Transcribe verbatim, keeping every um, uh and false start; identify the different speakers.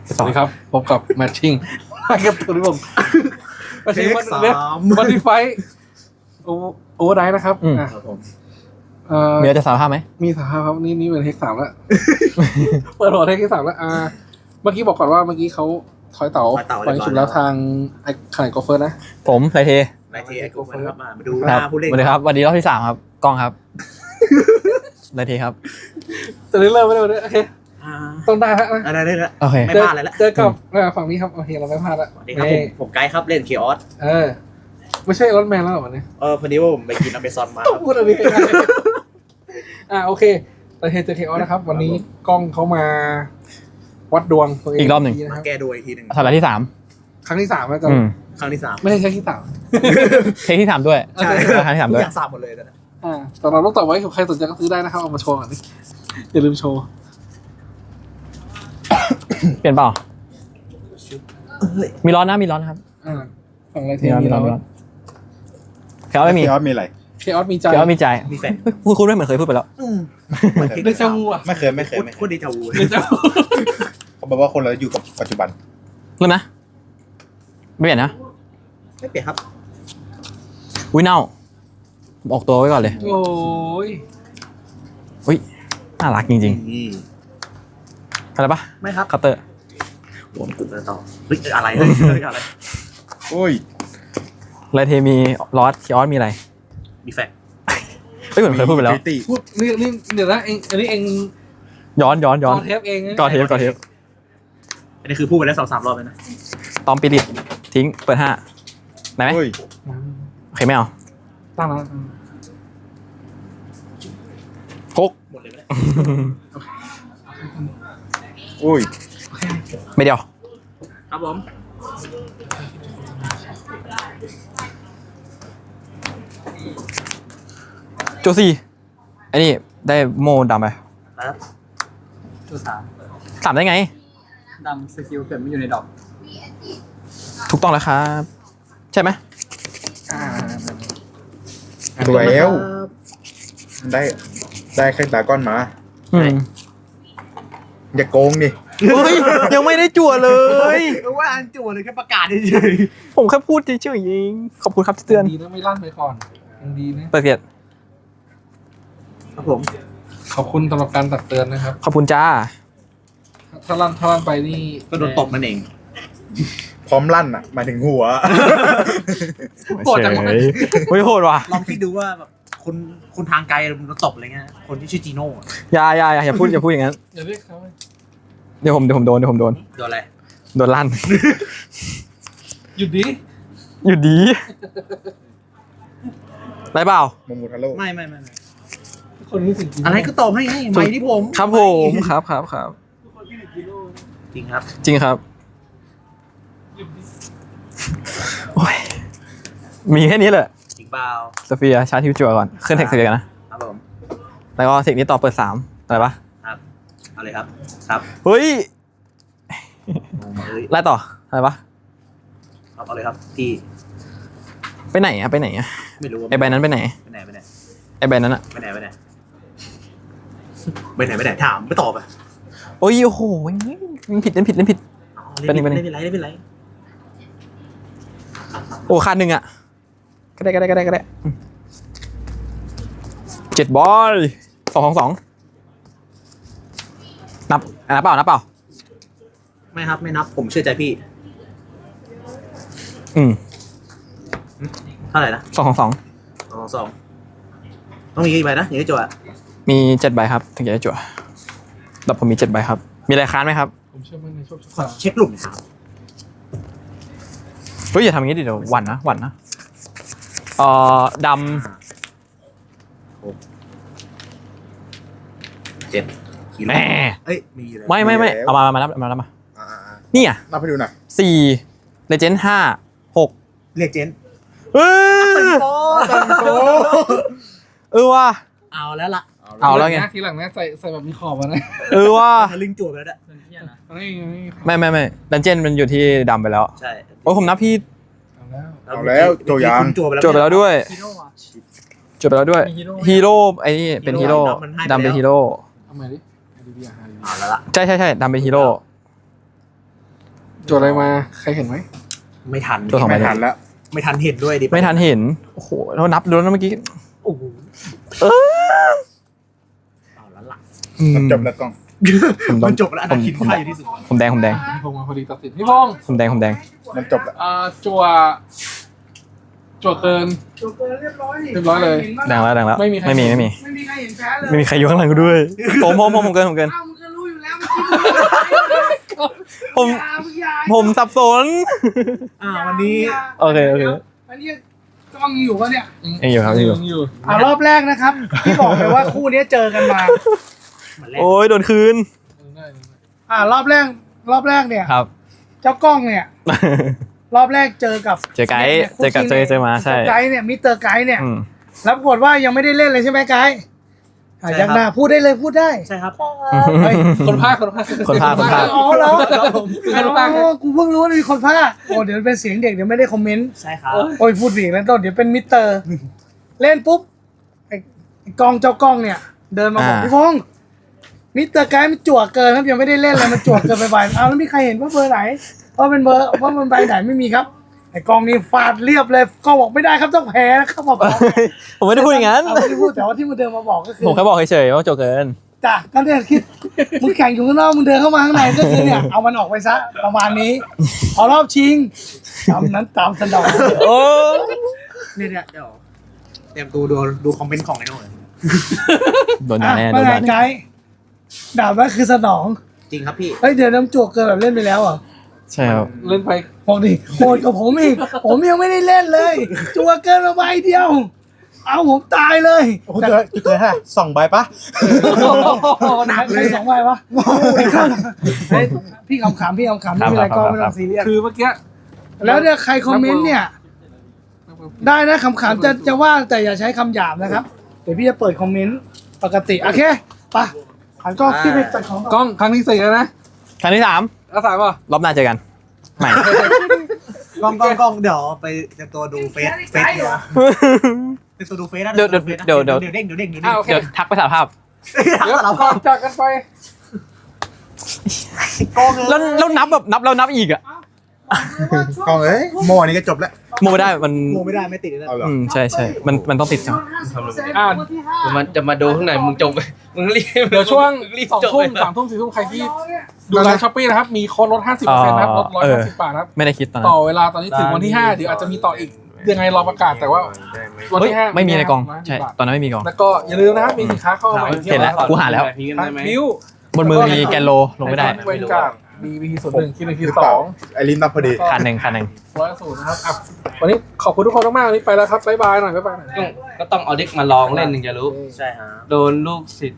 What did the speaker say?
Speaker 1: สวัสดีครับพบกับแมทชิ่งมากับตัวนี้ผมแมทชิ่งวันนี้วันนี้ไฟโอโอเวอร์ไดนะครับอ่ะผมเอ่อ
Speaker 2: มีอะไรจะสารภาพไหม
Speaker 1: มีสารภาพครับนี่นี่เป็นเทคสามแล้วเปิดหัวเทคที่สามแล้วอ่าเมื่อกี้บอกก่อนว่าเมื่อกี้เขาถอยเต๋าไปสุดแล้วทางไอ้ขนาดกอล์ฟเฟอร์นะ
Speaker 2: ผมไรเท
Speaker 3: ไรเทไอ้กอล์ฟเฟอร์ครับมาดูหน้าผู้เล่น
Speaker 2: สวัสดีครับวันนี้รอบที่สามครับกล้องครับไรเทครับ
Speaker 1: จะได้เริ่มไม่ได้เลยโอเคต้องได้ฮะ
Speaker 3: อะไรได้แล้ว
Speaker 2: โอเค
Speaker 3: ไม่พลาดเลยละ
Speaker 1: เจอกับฝั่งนี้ครับโอเคเราไม่พลาดละ
Speaker 3: สวัสดีครับผมผมไกด์ครับเล่นเคออส
Speaker 1: เออไม่ใช่รถแมนแล้วหรอวันนี้
Speaker 3: เออพอดีว่าผมไปกินอเมซอนมา
Speaker 1: พูดอะไรอ่าโอเคแต่เฮเจอเคออสนะครับวันนี้กล้องเขามาวัดดวงตัวเอง
Speaker 2: อีกรอบหนึ่ง
Speaker 3: มาแก้ดวงอีกทีหนึ่ง
Speaker 2: สัปดาห์ที่สาม
Speaker 1: ครั้งที่สามแล้วจะ
Speaker 3: ครั้งที่สาม
Speaker 1: ไม่ใช่ครั้งที่สาม
Speaker 2: เทคที่สามด้วย
Speaker 3: ใช่
Speaker 2: ครั้งที่สามด้วย
Speaker 3: อยากสามหมดเลยนะ
Speaker 1: อ่าแต่เราต้องต่อไว้ใครสนใจก็ซื้อได้นะครับเอามาโชว์ก่อนนี่อย่าลืมโชว์
Speaker 2: เปลี่ยนเปล่ามีร้อนนะมีร้อนนะครับ
Speaker 1: อ่าฝั่งอะไรเท
Speaker 2: มีร้อนมีร้อนเคออสไม่มี
Speaker 4: เคออสมีอะไร
Speaker 1: เคออสมีใจ
Speaker 2: เคออสมีใจ
Speaker 3: มีแฟน
Speaker 2: พูดคุณไม่เหมือนเคยพูดไปแล้ว
Speaker 1: ได้เจ้าวูอ่ะ
Speaker 4: ไม่เคยไม่เคยไม่เค
Speaker 3: พูด
Speaker 4: ย
Speaker 3: ดีเจ้าวู
Speaker 1: ได้เจ้า
Speaker 4: เขาบอกว่าคนเราอยู่กับปัจจุบัน
Speaker 2: เริ่มนะไม่เปลี่ยนนะ
Speaker 3: ไม่เปลี่ยนครับ
Speaker 2: อุ้ยเน่าออกตัวไว้ก่อนเลย
Speaker 1: โอ้ย
Speaker 2: อุ้ยน่ารักจริงๆอะไรปะ
Speaker 3: ไม่ครับ
Speaker 2: คัตเตอร์
Speaker 3: ผมตื่นต่อเฮ้ยอะไรเฮ้ยอะไร
Speaker 4: โอ้ย
Speaker 2: ไรเทมีลอสเคออสมีอะไร
Speaker 3: มีแฟน
Speaker 2: ไม่เหมือนเคยพูดไปแล้ว
Speaker 1: พูดนี่นี่เดี๋ยวนะเองอันนี้เอง
Speaker 2: ย้อนย้อนย้อน
Speaker 1: ก่อเทปเอง
Speaker 2: ก่อเทปก่อเทป
Speaker 3: อันนี้คือพูดไปแล้วสองสามรอบเลยนะ
Speaker 2: ตอมปิริตทิ้งเปิดห้าได้ไหมโอเคไม่เอา
Speaker 1: ตั้งแล้ว
Speaker 2: หก
Speaker 3: หมดเลยไหม
Speaker 4: โอ้ย
Speaker 2: ไม่เดียว
Speaker 3: ครับผม
Speaker 2: โจซี่ไอ้นี่ได้โมดำไป
Speaker 3: แล้วตัวสาม
Speaker 2: สามได้ไง
Speaker 3: ดำสกิลเกิดไม่อยู่ในดอก
Speaker 2: ถูกต้องแล้วครับใช่ไหม
Speaker 4: ถูกแล้วได้ได้แค่ตาก้อนมาอย่าโกงดิ
Speaker 2: เฮ้ยยังไม่ได้จั่วเลย
Speaker 3: ว่าอันจั่วเลยแค่ประกาศเฉย
Speaker 2: ๆผมแค่พูดเฉยๆเองขอบคุณครับที่เตือน
Speaker 1: ดีนะไม่ลั่นไปก่อนยังดีนะ
Speaker 2: เปิดเกียรติ
Speaker 3: ครับผม
Speaker 1: ขอบคุณสำหรับการตักเตือนนะครับ
Speaker 2: ขอบคุณจ้า
Speaker 1: ถ้าลั่นถ้าลั่นไปนี่
Speaker 3: ก็โดนตบนั่นเอง
Speaker 4: พร้อมลั่นอ่ะมาถึงหัว
Speaker 1: โหดจังเลย
Speaker 2: ไม่โหดว่ะ
Speaker 3: ลองคิดดูว่าแบบคนคนทางไกลโดนตบอะไรเงี้ยคนที่ชื่อจีโน่
Speaker 2: อย่าอย่าอย่าพูดอย่าพูดอย่างนั้น
Speaker 1: อย่าเรียกเขา
Speaker 2: เดี๋ยวผมเดี๋ยวผมโดนเดี๋ยวผมโดน
Speaker 3: โดนอะไร
Speaker 2: โดนลั่น
Speaker 1: หยุดดี
Speaker 2: หยุดดีไรเปล่า
Speaker 4: โมโมทาโร่
Speaker 3: ไม่ไม่ไม่
Speaker 1: คนนี้สิ่ง
Speaker 3: อะไรก็ตอบให้ให้ไม่ที่ผม
Speaker 2: ครับผมครับครับครับ
Speaker 3: จริงครับ
Speaker 2: จริงครับโอ้ยมีแค่นี้แหละ
Speaker 3: จริงเปล่า
Speaker 2: โซเฟียชาร์จทิวจั่วก่อนขึ้นเทคเสียกันนะครับ
Speaker 3: ผม
Speaker 2: แล้วก็เทคนี้ต่อเปิดสามอะไรปะ
Speaker 3: ครับเอาเลยครับครับ
Speaker 2: เฮ้ยไล่ต่ออะไรปะ
Speaker 3: ครับเอาเลยครับที่
Speaker 2: ไปไหนอะไปไหนอะ
Speaker 3: ไม่รู้
Speaker 2: ไอใบนั้นไปไหน
Speaker 3: ไปไหนไปไหน
Speaker 2: ไอใบนั้นอะ
Speaker 3: ไปไหนไปไหนไปไหนไปไหนถามไม่ตอบอ่ะ
Speaker 2: โอ้ยโอ้โหมันผิดเล่นผิดเล่นผิด
Speaker 3: เป็นเป็นเป็นไรเป็นไร
Speaker 2: โอ้ขาดหนึ่งอ่ะก็ได้ก็ได้ก็ได้ก็ได้เจ็ดบอลสองของสองนับนับเปล่านับเปล่า
Speaker 3: ไม่ครับไม่นับผมเชื่อใจพี่
Speaker 2: อืม
Speaker 3: เท่าไหร่นะ
Speaker 2: สองของสอง
Speaker 3: สองสองต้องมีกี่ใบนะอย่างนี้จั่ว
Speaker 2: มีเจ็ดใบครับถึงจะได้จั่วดับผมมีเจ็ดใบครับมีอะไรค้านไหมครับ
Speaker 1: ผมเชื่อมั่นในโชคชะตา
Speaker 3: เช็คหลุมครับ
Speaker 2: เฮ้ยอย่าทำอย่างนี้ดิเดี๋ยวหวั่นนะหวั่นนะเอ่อดำ
Speaker 3: เจ็ด
Speaker 2: แม่
Speaker 3: เอ้ยมีเลย
Speaker 2: ไม่ไม่ไม่เอามามานับมานับมานี่อ่ะ
Speaker 4: นับให้ดูหน่อย
Speaker 2: สี่เลเจนด์ห้าหก
Speaker 3: เลเจนด์
Speaker 2: เออเออว่ะ
Speaker 3: เอาแล้วล่ะ
Speaker 2: เอาแล้วไง
Speaker 1: ทีหลังนะใส่ใส่แบบมีขอบมานะ
Speaker 2: เออว่ะ
Speaker 3: ลิงจั่วไปแล้วด้วย
Speaker 2: ไม่ไม่ไม่ดันเจนมันอยู่ที่ดำไปแล้ว
Speaker 3: ใช่
Speaker 2: โอ้ผมนับพี่
Speaker 4: เอาแล้วโจยาง
Speaker 2: โจไปแล้วด้วยโจไปแล้วด้วยฮีโร่ไอ้นี่เป็นฮีโร่ดำเป็นฮีโร่
Speaker 1: ทำไมดิ
Speaker 3: เอาแล้วล่ะ
Speaker 2: ใช่ใช่ใช่ดำเป็นฮีโร่
Speaker 1: โจทย์อะไรมาใครเห็นไหม
Speaker 3: ไม่ทัน
Speaker 2: ตัวสองใบ
Speaker 4: ไม่ทันแล้ว
Speaker 3: ไม่ทันเห็นด้วยดิ
Speaker 2: ไม่ทันเห็น โอ้โหเรานับดูแล้วเมื่อกี้
Speaker 3: โอ้โห
Speaker 2: เออ
Speaker 3: เอาละล่ะ
Speaker 4: มันจบแล้วกล้อง
Speaker 2: ผม
Speaker 3: มันจบแล้วอันนั้นคิด
Speaker 2: ผม
Speaker 3: ค่าอยู่ที่สุด
Speaker 2: ผมแดงผมแดง
Speaker 1: พี่พงษ์มาพอดีตัดสินพี่พงษ์
Speaker 2: ผมแดงผมแดง
Speaker 4: มันจบแล้ว
Speaker 1: อ่าจั่วจั่วเกิน
Speaker 5: จบเกินเรียบร้อยดิ
Speaker 1: เรียบร้อยเลย
Speaker 2: แดงแล้วแดงแล้ว
Speaker 1: ไม่มีใคร
Speaker 2: ไม่มีไม่มี
Speaker 5: ไม่มีใครเห็นแพ้เลย
Speaker 2: ไม่มีใครอยู่ข้างหลังกูด้วยผมผมผมผมเกินผมเกิน
Speaker 5: อ้าวมึงก็รู้อยู่แล้วเมื่อกี้
Speaker 2: ผม
Speaker 5: อย่ามึงอย่า
Speaker 2: ผมสับสน
Speaker 3: อ่าวันนี้
Speaker 2: โอเคโอเค
Speaker 5: อันนี้กล้องอยู่ปะเนี่ย
Speaker 2: ยังอยู่ครับยังอยู่
Speaker 1: ยังอยู่
Speaker 5: อ่ารอบแรกนะครับที่บอกเลยว่าคู่นี้เจอกันมา
Speaker 3: เหมือนแรก
Speaker 2: โอ้ยโดนคืน
Speaker 5: อ่ารอบแรกรอบแรกเนี่ย
Speaker 2: ครับ
Speaker 5: เจ้ากล้องเนี่ย รอบแรกเจอกับ
Speaker 2: เจอไกด์เจอกับเจอเจอมาใช่
Speaker 5: ไกด์เนี่ยมิสเตอร์ไกด์เนี่ย
Speaker 2: อืม
Speaker 5: แล้วปรากฏว่ายังไม่ได้เล่นเลยใช่ไหมไกด์อ่ะยังหน้าพูดได้เลยพูดได้
Speaker 3: ใช่ครับ
Speaker 5: เฮ้ย
Speaker 1: คนภาคคนภาค
Speaker 2: คนภาคคนภาค
Speaker 5: อ๋อเหรอ
Speaker 1: คือคนภาค
Speaker 5: อ๋อกูเพิ่งรู้ว่ามีคนภาคโอ้เดี๋ยวเป็นเสียงเด็กเดี๋ยวไม่ได้คอมเมนต์
Speaker 3: ใช่ครับ
Speaker 5: โอ้ยพูดอีกแล้วต้นเดี๋ยวเป็นมิสเตอร์ เล่นปุ๊บไอ้ไอ้กล้องเจ้ากล้องเนี่ย เดินมาบอก
Speaker 2: อ่า
Speaker 5: พี่พงษ์มิสเตอร์ไกด์มันจั่วเกินครับยังไม่ได้เล่นเลยมันจั่วเกินไปใบเอาแล้วมีใครเห็นว่าเบอร์ไหนว่าเป็นเบอร์ว่ามันใบไหนไม่มีครับไอ้กล้องนี่ฟาดเรียบเลยกล้องบอกไม่ได้ครับต้องแพ้นะครับมาบอก
Speaker 2: ผมไม่ได้พูดอย่างนั้น
Speaker 5: เอาไม่ได้พูดแต่ว่าที่มันเดินมาบอกก็คือ
Speaker 2: ผมแค่บอกเฉยๆว่าโจเกิน
Speaker 5: จ้ะก็เนี่ยคิดมึงแข่งอยู่ข้างนอกมึงเดินเข้ามาข้างในก็คือเนี่ยเอามันออกไปซะประมาณนี้พอรอบชิงตามนั้นตามสนอง
Speaker 2: โอ้
Speaker 3: เนี่ยเนี่ยเดี๋ยวเตรียมตัวดูดูคอมเมนต์ของไอ้โน่น
Speaker 2: โดนด่า
Speaker 5: อ่ะ
Speaker 2: แน่โด
Speaker 5: ว่าน ไง
Speaker 2: ด่า
Speaker 5: ไก
Speaker 2: แน่
Speaker 5: ด์ดาบนั้นคือสนอง
Speaker 3: จริงครับพี่
Speaker 5: เฮ้ยเดี๋ยวน้ำจั่วเกินแบบเล่นไปแล้วเหรอ
Speaker 2: ใช่ครับ
Speaker 1: เล่นไป
Speaker 5: บอกดิโหดกับผมอีกผมยังไม่ได้เล่นเลย จั่วเกินมาใบเดียว เอาผมตายเลย
Speaker 4: โอ้โหเจอเจอฮะสองใบปะ
Speaker 5: หนักเลยสองใบวะเฮ้ยพี่ขำๆพี่ขำๆไม่เป็นไรก็ไม่ต้องซีเรียส
Speaker 1: คือเมื่อกี้
Speaker 5: แล้วเนี่ยใครคอมเมนต์เนี่ย ได้นะขำๆจะจะว่าแต่อย่าใช้คำหยาบนะครับ เดี๋ยวพี่จะเปิดคอมเมนต์ปกติ โอเคไปหันกล้องพี่ไปจัดของ
Speaker 1: กล้องครั้งที่สี่แล้วนะ
Speaker 2: ครั้งที่สาม
Speaker 1: แล้วสามป่ะ
Speaker 2: รอบหน้าเจอกันใหม่
Speaker 3: กล้องกล้องกล้องเดี๋ยวไปเตรียมตัวดูเฟซเฟซเดี๋ยวเตรียมตัวดูเฟซนะ
Speaker 2: เดี๋ยวเดี๋ยวเดี๋ยวเดี๋ยว
Speaker 3: เดี๋ยวเด้งเดี๋ยวเด้งเดี๋ยว
Speaker 1: อ้า
Speaker 3: เด้
Speaker 1: ว
Speaker 3: ง
Speaker 1: โอเค
Speaker 2: เดี๋ยวทักไปสารภาพ
Speaker 1: เดี๋ยวก่อนจากกันไป
Speaker 3: กล้องเลย
Speaker 2: แล้วแล้วนับแบบนับแล้วนับอีกอ่ะ
Speaker 4: กล้องเอ้ยโมอันนี้ก็จบแล้ว
Speaker 2: โมไม่ได้มัน
Speaker 3: โมไม่ได้ไม่ติดเลย
Speaker 4: เอาเหรอ
Speaker 2: อืมใช่ใช่มันมันต้องติดครับ
Speaker 1: อ่าน
Speaker 6: มันจะมาดูข้างในมึงจบไปมึงรีบ
Speaker 1: เดี๋ยวช่วง
Speaker 6: มึรีบ
Speaker 1: สอง
Speaker 6: จบ
Speaker 1: ทุ่
Speaker 6: ไป
Speaker 1: มสามทุ่มสี่ทุ่มใครที่ดูไลน์ช้อปปี้นะครับ มีโค้ดลดห้าสิบเปอร์เซ็นต์นะครับลดร้อยห้าสิบบาทนะครับ
Speaker 2: ไม่ได้คิดตอนนั้
Speaker 1: ต่อน เวลาตอนนี้ถึงวันที่ห้าเดี๋ยวอาจจะมีต่ออีกยังไงรอประกาศแต่ว่าวัน
Speaker 2: เฮ้ย
Speaker 1: ที่ห้า
Speaker 2: ไม่มีในกล่อง
Speaker 1: ร้ยห้าสิบ
Speaker 2: ใช่
Speaker 1: บาท
Speaker 2: ตอนนั้นไม่มีกล่อง
Speaker 1: แล้วก็อย่าลืมนะครับมีสินค้าเข้ามาใหม่
Speaker 2: เห็นแล้วกูหาแล้ว
Speaker 1: นิ้ว
Speaker 2: บนมือมีแกนโลลงไม่ได้
Speaker 1: เวนการ์ดมีวีส่วนหนึ่งคิดหนึ่งคิด
Speaker 4: หรือ
Speaker 1: ส
Speaker 4: เปล่า
Speaker 1: อง
Speaker 4: ไอรินนับพอดี
Speaker 2: คันหนึ่งคันหนึ่ง
Speaker 1: ร้อยศูนย์นะครับอ่ะวันนี้ขอบคุณทุกคนมากๆวันนี้ไปแล้วครับบ๊ายบายหน่อยบ๊ายบายหน่อย
Speaker 6: ก็ต้องเอาเด็กมาลองเล่นถึงจะรู้
Speaker 3: ใช่ฮะ
Speaker 6: โดนลูกศิษย์